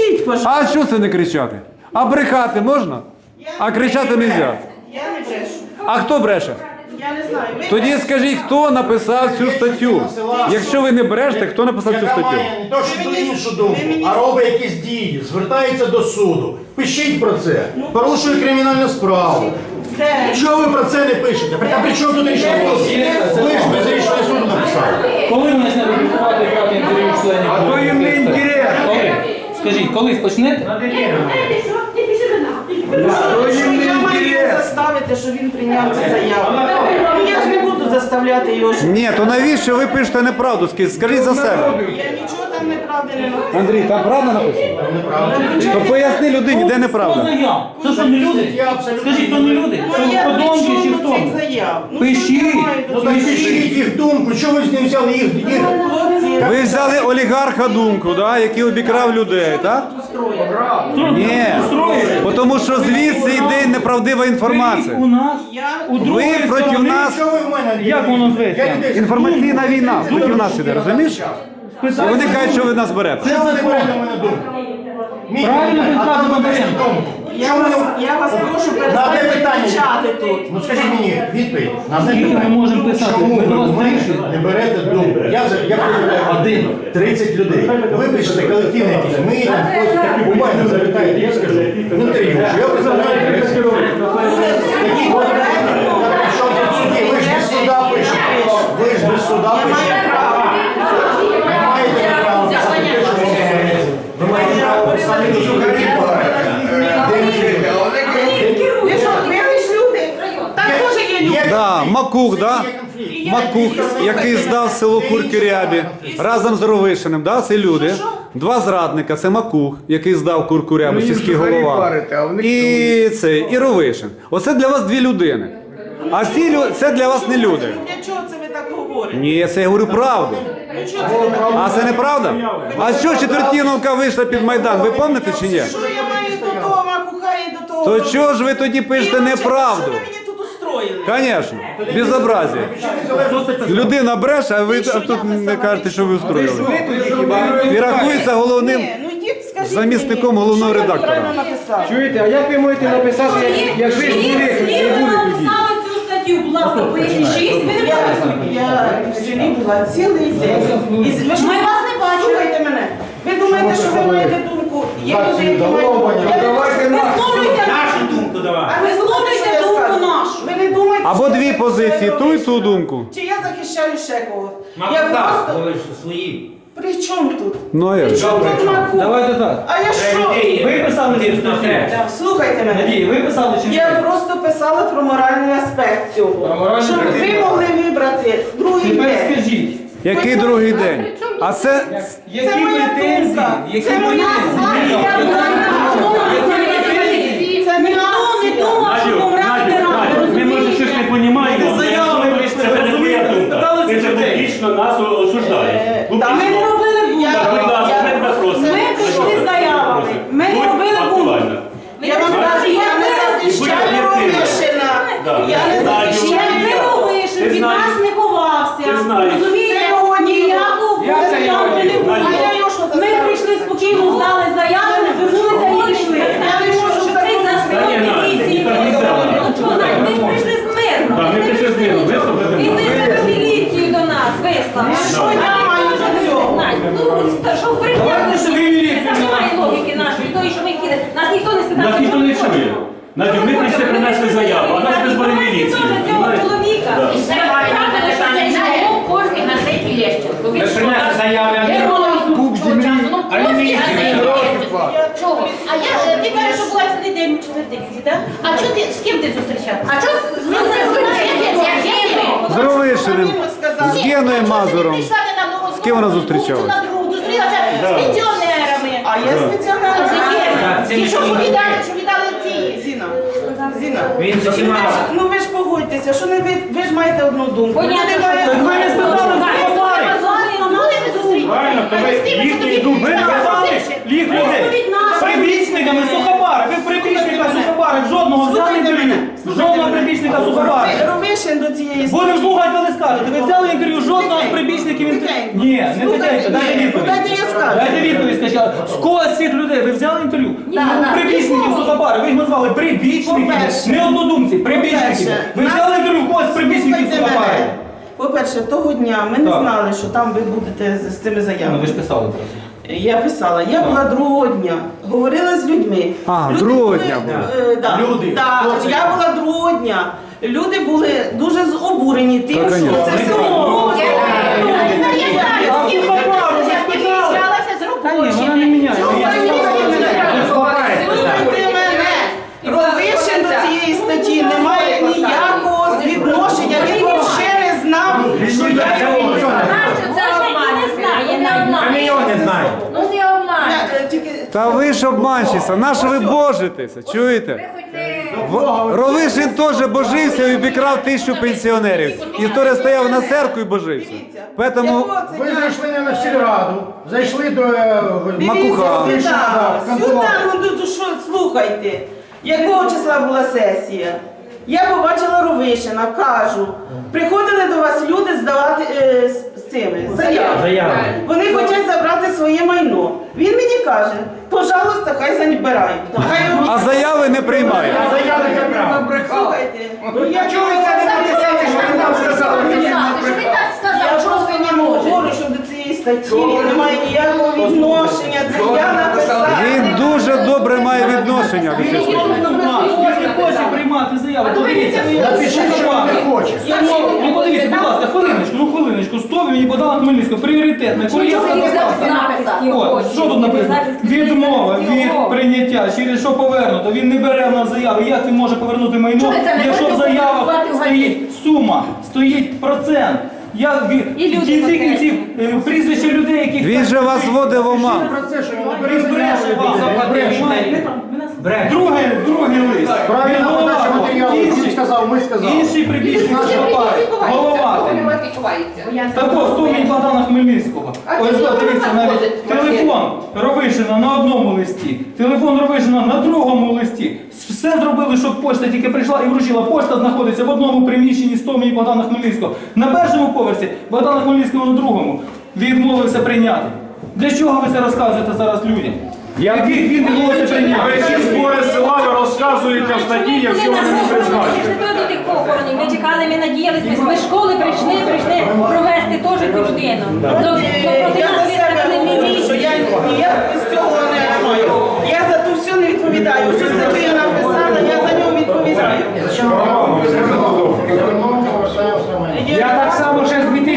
кричіть, пожалуйста. А що це не кричати? А брехати можна? А кричати не можна. Я не брешу. А хто бреше? Я не знаю. Ви Тоді скажіть, хто написав цю статтю? Якщо ви не брешете, хто написав цю Яка статтю? має не то, що іншу думку, а робить якісь дії, звертається до суду. Пишіть про це. Порушує кримінальну справу. Де? Чого ви про це не пишете? А при чому тут рішення суду? Ви ж без рішення суду написали. Коли ви почнете публікувати брати інтерв'ю членів? А то їм не інтересно. Скажіть, колись почнете? Що я маю заставити, що він прийняв цю заяву? Ну я ж не буду заставляти його. Ні, то навіщо ви пишете неправду? Скажіть за себе. Я нічого там неправди не написала. Андрій, там правда написано? То поясни людині, де Хто неправда. заяв? Це що, не люди? Скажіть, то не люди? Ну я То при подонки чи чому хто? до цих заяв? Ну, Пишіть. що я маю до Ну цих так заяв? пишіть їх думку, чого ви з ним взяли їх? Хлопці, Ви взяли олігарха думку, да, який обікрав людей, так? Ні. Тому що звідси йде неправдива інформація. У нас, у Ви другої проти сторони. нас. Чого ви в мене? Як воно зветься? Інформаційна війна проти нас іде, розумієш? І вони кажуть, що ви нас берете. Чого ви не берете в мене думку? Правильно ви кажете, ви беремо. думку. Я вас прошу На те перестати питання. кричати тут. Ну скажіть мені відповідь. На те Скільки ми питання. можемо писати? Чому Ми до ви вас в мене прийшли. не берете думку? Я представляю 30 людей. Ви пишете колективне якісь. Ми там хтось у мене запитаєте, я скажу. В інтерв'ю, що я представляю 30 людей. Такі от, що тут суді? Ви ж без суда пишете. Ви ж без суда пишете. Не маєте права писати те, що вам подобається. Ви маєте право писати те, що Ви що, ви ж люди? Там теж є люди. Да, Макух, да? Макух, який здав село Куркурябі разом з Ровишиним, да? Це люди. Два зрадника, це Макух, який здав Куркурябу, сільський голова. І Ровишин. Оце для вас дві людини. А це для вас не люди. Для чого це ви так говорите? Ні, це я говорю правду. Ну чого це ви так говорите? А це неправда? А що Четвертіновка вийшла під Майдан, ви пам'ятаєте чи ні? Що я маю до того Макуха і до того? То чого ж ви тоді пишете неправду? Що ви мені тут устроїли? Звісно, безобразие. Людина бреше, а ви тут не кажете, що ви устроїли. І рахується головним Ні, ну йдіть, скажіть замісником мені, головного що я редактора. правильно написав? Чуєте, а як ви можете написати, як ви ж були, не були тоді? Цю статтю, будь ласка, поясніть, 6, ви не бачите. Я в селі була цілий день. І ви ж Ми вас не бачили. Слухайте мене. Ви думаєте, що ви маєте думку? Є люди, які мають... Давайте нас. Висловлюйте думку давай. А ви слухайте, що я думку скажу? нашу. Ви не думаєте, Або що дві я позиції, ту і ту думку. Чи я захищаю ще когось? Я просто... свої. При чому тут? Ну а як? При чому тут Макух? Давайте так. А я що? Ви писали цю статтю? Так, слухайте мене. Надії, ви писали чи Я ні? просто писала про моральний аспект цього. Про моральний Щоб аспект. ви могли вибрати другий Тепер день. скажіть, Який другий день? А це які моя претензії? думка. Які Це моя претензії? Це не не думав, що помрати рано. Ми може щось не розуміємо. Ти заявами прийшли, Це не твоя розумієте? думка. Спитали Ти цих це людей. публічно нас осуждаєш. Та ми не робили бунт. Будь ласка, ми тебе просимо. Ми прийшли з заявами. Ми не Будь робили бунт. актуальна. Я вам кажу, я не захищаю Ровишина. Я не захищаю. Якби Ровишин Ти від знаєш. нас не ховався, Ти знаєш. розумієте, Це його діло. ніякого Я це його проблему не діло. було. А я його що Ми заставлю? прийшли спокійно, здали заяву, звернулися і пішли. Я не можу Що так цей робити. закон Та ні, Настя, міліції, ні, так не треба. ну чого, Надь, ми ж прийшли з мирно. Так, ми прийшли з мирно, вислухайте І нас. ти себе міліцію до нас вислав. Що я маю до цього? Надь, ну що в Давайте, що ви міліцію Там немає логіки нашої, тої, що ми кидали. Нас ніхто не спитав. Нас ніхто не чує. Надю, ми прийшли принесли заяву, а нас без міліції. Цього Знаєш? чоловіка. Да. Кожній газеті Лещенко. Ви принесли заяви, куб землі, а не міліції, гроші платять. Чого? А я, ти кажеш, що була цілий день у Четвертинці, так? А чого ти, з ким ти зустрічав? А чого з з Ровишиним, з Геною Мазуром. З ким вона зустрічалась? Зустрілася з пенсіонерами. А я спеціально. І що віддали ці? Зіна. Зіна. Він Ну ви ж погодьтеся, що не ви ж маєте одну думку. Понятно, Люди що мають- так. Ви не спитали, Правильно, то ви їхню думку. Ви казали, їх людей. Прибічниками Сухопара. Ви прибічника Сухопара жодного взяли Слухайте інтерв'ю. мене. Жодного прибічника прибічника Сухопара. Ровишин до цієї Будемо слухати, коли скажете. Ви взяли інтерв'ю жодного з прибічників Ні, не тихенько, дайте відповідь. Дайте я скажу. Дайте відповідь, скажіть. З кого з цих людей ви взяли інтерв'ю? Прибічників Сухопара. Ви їх назвали прибічників. По-перше. Не однодумці, прибічників. По-перше, Ви взяли інтерв'ю в когось з прибічників Слухайте Сухопара. мене. По-перше, того дня ми не Так. знали, що там ви будете з цими Ну заявами. ви ж писали зараз. Я писала, я була другого дня, говорила з людьми. А, Люди другого були, дня була. Да, Люди. да, Хто це? я була другого дня. Люди були дуже обурені тим, Та, що конечно. це все умовно. Вона не міняє. Слухайте мене. Ровишин до цієї статті не має ніякого відношення. Він взагалі не знав, що я його Камільйон не знає. Ну не обман. Та ви ж обманщиця, на що ви божитеся, чуєте? Ровишин теж божився і обікрав 1000 пенсіонерів. І хто стояв на церкві і божився. Поэтому Ви зайшли не на сільраду, зайшли до Макуха. Сюди, ну що, слухайте, якого числа була сесія? Я побачила Ровишина, кажу, приходили до вас люди здавати з цими заяви. Вони хочуть забрати своє майно. Він мені каже, пожалуйста, хай забирають. а заяви не приймають. Слухайте, ну я Чого ви це не написали, що ви нам сказали? Я просто не говорю, що до цієї статті він не має ніякого відношення. Це я написала. Він дуже добре має відношення до цієї статті. Він не хоче приймати заяву. Подивіться. Напишіть, що ви не хочете. Ну подивіться, будь ласка, хвилиночку, 100 мені подала Хмельницького, пріоритетна, кур'єрська доставка. От, що тут написано? Відмова від прийняття, через що повернуто. Він не бере в нас заяви. Як він може повернути майно, якщо в заявах стоїть сума, стоїть процент. Як в кінці кінців прізвище людей, яких... Він же вас вводив в оман. Про це, що він Він бреше вам. Другий лист. Правильно, Він подача голова. матеріалу. Він сказав, ми сказали. Інший прибічник Сухопар. Голова. Також 100 мені Богдана Хмельницького. Ось дивіться, навіть телефон Ровишина на одному листі, телефон Ровишина на другому листі. Все зробили, щоб почта тільки прийшла і вручила. Почта знаходиться в одному приміщенні 100 мені Богдана Хмельницького. На першому поверсі, Богдана Хмельницького на другому. Відмовився прийняти. Для чого ви це розказуєте зараз людям? Яких він відмовився прийняти? Які збори села ви розказуєте в статті, якщо вони не призначені? До тих похоронів. Ми чекали, ми надіялися, ми з школи прийшли провести теж цю людину. Я за себе говорю, що я ніяк з цього не маю. Я за ту всю не відповідаю. Що статтю я написала, я за нього відповідаю. Зачем ви Я так